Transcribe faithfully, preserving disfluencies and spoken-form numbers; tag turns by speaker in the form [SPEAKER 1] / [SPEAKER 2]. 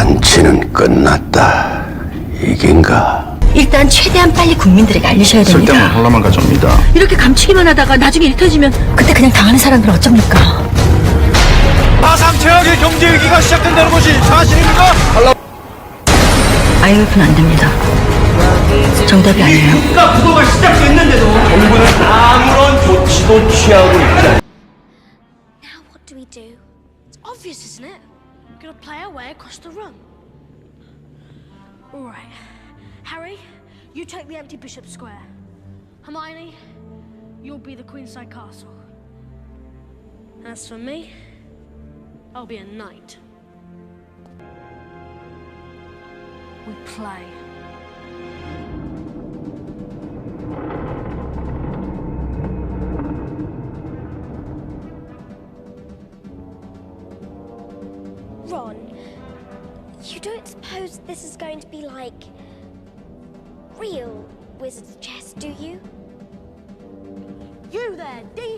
[SPEAKER 1] 잔치는 끝났다. 이긴가?
[SPEAKER 2] 일단 최대한 빨리 국민들에게 알리셔야 됩니다.
[SPEAKER 3] 쓸데없는 혼란만 가져옵니다.
[SPEAKER 2] 이렇게 감추기만 하다가 나중에 일 터지면 그때 그냥 당하는 사람들 어쩝니까?
[SPEAKER 4] 가상 최악의 경제 위기가 시작된다는 것이 사실입니까?
[SPEAKER 2] 아이엠에프는 안 됩니다. 정답이 아니에요.
[SPEAKER 4] 국가 부도가 시작됐는데도 정부는 아무런 조치도 취하고 있지 않
[SPEAKER 5] Now what do we do? It's obvious, isn't it? We're gonna play our way across the room. All right. Harry, you take the empty Bishop Square. Hermione, you'll be the Queenside Castle. As for me, I'll be a knight. We play.
[SPEAKER 6] Ron, you don't suppose this is going to be like real wizard's chess, do you?
[SPEAKER 5] You there, D